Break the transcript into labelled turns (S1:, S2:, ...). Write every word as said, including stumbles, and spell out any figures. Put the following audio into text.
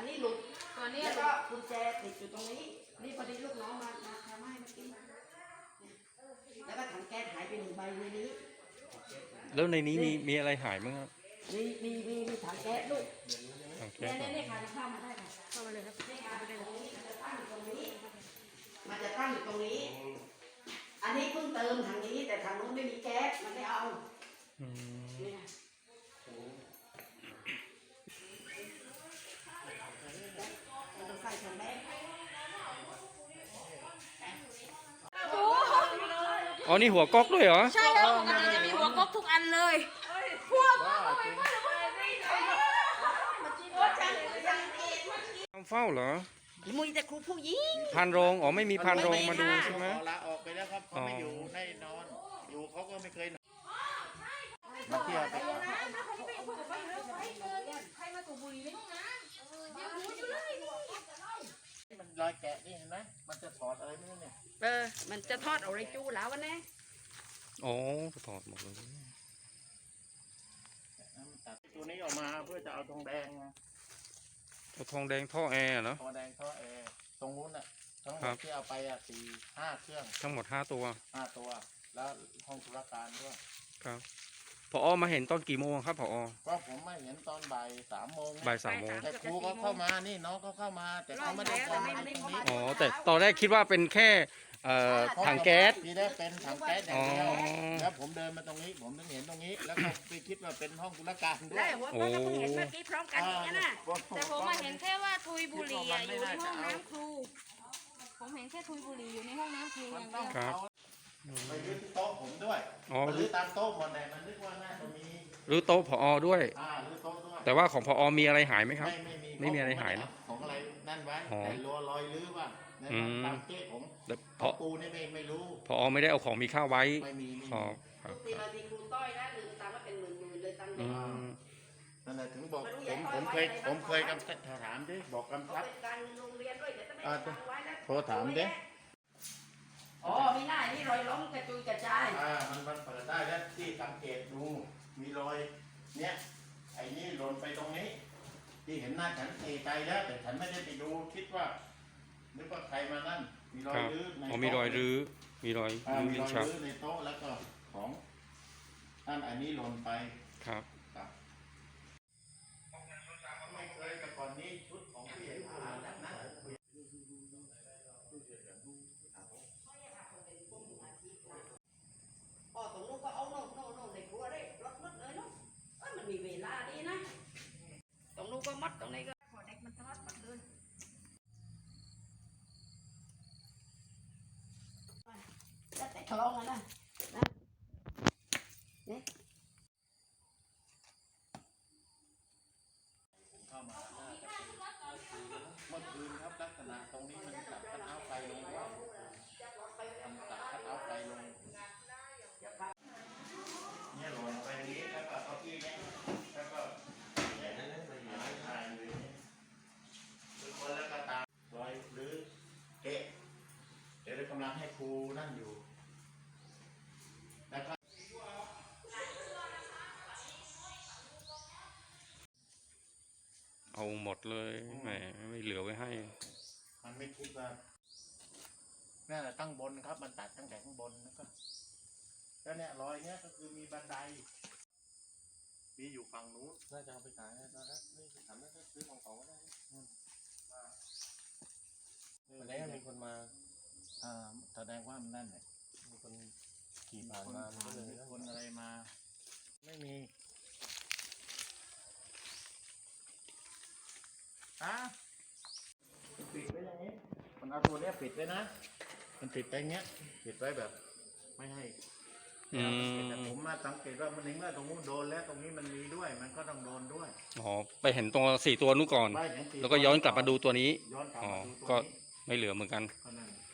S1: นี้หลุด
S2: ตัวนี้
S1: แล้วก็กุญแจติดอยู่ตรงนี้นี่พอดีลูกน้องมามาทำให้เมื่อกี้แล้วก็ถังแก๊สหายไปหนึ่งใบในนี้
S3: แล้วในนี้มีมีอะไรหายมั้งครับ
S1: มีมีมีมีถังแก๊สลูก
S3: ถังแก๊
S1: เนี่ย
S3: ส
S1: เนี่ยค่ะเข้ามาได้ค่ะ
S2: เข้ามาเลยครับ
S1: นี่ค่ะตรงนี้มันจะตั้งอยู่ตรงนี้มันจะตั้งอยู่ตรงนี้ อันนี้เพิ่งเติมถังนี้แต่ถังนู้นไม่มีแก๊สมันไม่เอาเนี่ยต้องใส่ถังแก๊ส
S3: อ๋อนี่หัวก๊อกด้วยเหรอ
S2: ใช่ครับปกติจะมีหัวก๊อกทุกอันเลยพวก
S3: ทำเฝ้าเหรอ
S1: มุ้ยแต่ครูผู้หญิง
S3: พานโรงอ๋อไม่มีพานโรงมาดูใช่ไหม
S4: ลาออกไปแล้วครับเขาไม่อยู่ได้นอนอยู่เขาก็ไม่เคยนอนมาเที่ยวไป
S2: ใครมาสูบบุหรี่ในห้องน้ำยังรู้อยู่เลย
S4: มันรอยแกะนี่เห็นไหมมันจะถอดอะไรไม่รู้เนี่ย
S1: เออมันจะทอดอะไรจูแล้ววันนี้
S3: อ๋อถอดหมดเลย
S4: ตัดตัวนี้ออกมาเพื่อจะเอาทองแดง
S3: เอาทองแดงท่อแอร์เหรอ
S4: ทองแดงท่อแอร์ตรงนู้นอ่ะทั้งหมดที่เอาไปอ่ะสี่ห้าเครื่อง
S3: ทั้งหมดห้าตัว
S4: ห้าตัวแล้วห้องธุรการด้วย
S3: ครับผอมาเห็นตอนกี่โมงครับผอ
S4: ก็ผมมาเห็นตอนบ่ายสามโมง
S3: บ่ายสามโมง
S4: แต่ครูก็เข้ามานี่น้องก็เข้ามาแต่เขาไม่ได้เข้ามาตรงนี้
S3: อ๋อแต่ตอนแรกคิดว่าเป็นแค่ถังแก๊ส
S4: ทีแรกเป็นถังแก๊สอย่างเดียวแล้วผมเดินมาตรงนี้ผมถึงเห็นตรงนี้แล้วก็ไปคิดว่าเป็นห้องธุรการด้วย
S1: โอ้เห็นเมื่อกี้พร้อมกันนี่นะ
S2: แต่ผมมาเห็นแค่ว่าทุยบุหรี่อยู่ในห้องน้ำครูผมเห็นแค่ทุยบุหรี่อยู่ในห้องน้ำครูอย่างเดียว
S3: ครับ
S4: ไปรื้อโต๊ะผมด้วยไปรื้อตามโต๊ะหมดเลยมันนึกว่าน่าจะมี
S3: รื้อโต๊ะผอด้วย
S4: รื้อโต๊ะด้วย
S3: แต่ว่าของผอมีอะไรหายไหมครับ
S4: ไม่ไม่มี
S3: ไม่มีอะไรหายนะ
S4: ของอะไรนั่นไว้แต่รัวรอยรื้อว่าตามเก๊ผม
S3: เพราะ
S4: ปูนี่ไม่ไม่รู้
S3: ผอไม่ได้เอาของมีค่าไว้
S4: ไม่มี
S3: ครับครับ
S1: ตีมาตีครูต้อยนะลืมตามว่าเป็นหมื่นหมื่นเลยตังค์
S4: นั่นแหละถึงบอกผมผมเคยผมเคยกำชับถามดิบอกกำชับโทรถามดิ
S1: อ๋อไม่น่านี่รอยล้มกระจุยกระจาย
S4: อ่ามันมันเปิดได้แล้วที่สังเกตดูมีรอยเนี้ยไอ้นี่หล่นไปตรงนี้ที่เห็นหน้าฉันเอใจแล้วแต่ฉันไม่ได้ไปดูคิดว่านึกว่าใครมานั่นมีรอยรื้อในโต๊ะ
S3: มีรอยรื้อมีรอยรื้อ
S4: มีรอยรื้อในโต๊ะแล้วก็ของนั่นอันนี้หล่นไป
S3: ครับ
S4: ไม่เคยแต่ก่อนนี้ชุดของผู้ใหญ่ผ่านแบบนั้น
S1: อ๋อตรงนู้นก็เอาโน่นโน่นโน่นในครัวได้รถมัดเลยเนาะเอ้ยมันมีเวลาดีนะตรงนู้นก็มัดตรงนี้ก็พอเด็กมันทอดมัดเลยจะแต่คลองนะนะนี่
S4: เข้ามาเมื่อคืนครับลักษณะตรงนี้มันตัดคัทเอาท์ไฟลงว่าทำตัดคัทเอาท์ไฟลงเนี่ยลงไปนี้แล้วก็เก้าอี้เนี่ยแล้วก็เนี่ยนั่นนั่นเลยไม่ถ่ายเลยทุกคนแล้วก็ตามรอยหรือเอ๊ะเดี๋ยวเรากำลังให้ครูนั่นอยู่นะครับ
S3: เอาหมดเลยแหมไม่เหลือไว้ให้
S4: มันไม่คิดว่านี่แหละตั้งบนครับมันตัดตั้งแต่ข้างบนแล้วก็แล้วเนี่ยรอยเนี้ยก็คือมีบันไดมีอยู่ฝั่งนู้นน่าจะเอาไปขายนะฮะนี่ถามว่าซื้อของเขาก็ได้วันนี้มีคนมาอ่าแสดงว่ามันนั่นเนี่ยมีคนขี่ผ่านมามีคนอะไรมาไม่มีฮะปิดไว้อย่างนี้มันเอาตัวเนี้ยปิดไว้นะมันปิดไปอย่างเงี้ยปิดไว้แบบไม่ให้แต่ผมมาสังเกตว่ามันในเมื่อตรงนู้นโดนแล้วตรงนี้มันมีด้วยมันก็ต้องโดนด้วย
S3: อ๋อไปเห็นตัวสี่ตัวนู้นก่อนแล้วก็ย้อนกลับมาดูตัวนี้อ๋อก็ไม่เหลือเหมือนกัน